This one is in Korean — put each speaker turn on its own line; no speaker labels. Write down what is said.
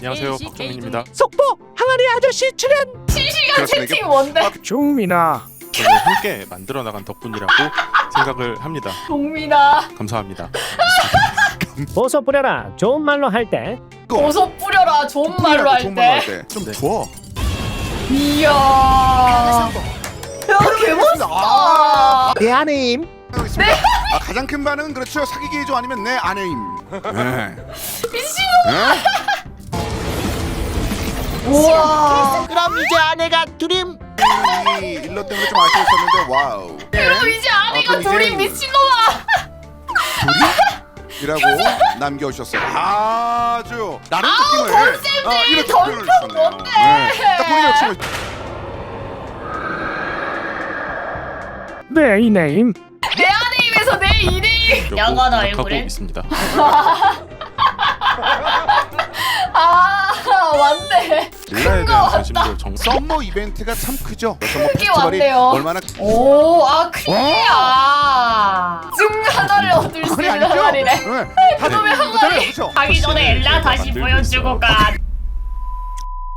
안녕하세요, 박정민입니다.
속보 항아리 아저씨 출연.
실시간
그렇습니다.
채팅 뭔데?
종민아.
저는 함께 만들어 나간 덕분이라고 생각을 합니다.
동민아
감사합니다.
버섯 뿌려라. 좋은 말로 할 때.
버섯 뿌려라 좋은 말로
좋은 말로
할
할
때.
때. 좀
네.
부어.
이야 야 개멋있다.
내 아내임.
있습니다. 가장 큰 반응은 그렇죠. 사귀기 좀 아니면 내 아내임. 네.
미친놈. 우와
그럼 이제 아내가 둘임.
이 일러 때문에 좀 아쉬웠었는데 와우.
그럼 이제 아내가
그럼
둘이
이제
미친놈아.
이라고 남겨주셨어요. 아주 나름 느낌을
컨셉이
이렇게
던져
표현을 주셨네요.
뭔데?
딱 보니까 지금
내 이네임.
내 아내임에서 내 이내임. 야간
하고
얼굴에.
있습니다.
아 맞네.
릴라에 대한 관심도 정.
썸머 이벤트가 참 크죠. 썸머
크게
페스티벌이
왔네요.
얼마나
오아 크게야. 증 하나를 얻을 수
그게
있는
아니죠?
항아리네.
네. 다들
그놈의 항아리.
그렇죠.
가기 전에 엘라 다시 보여주고 가.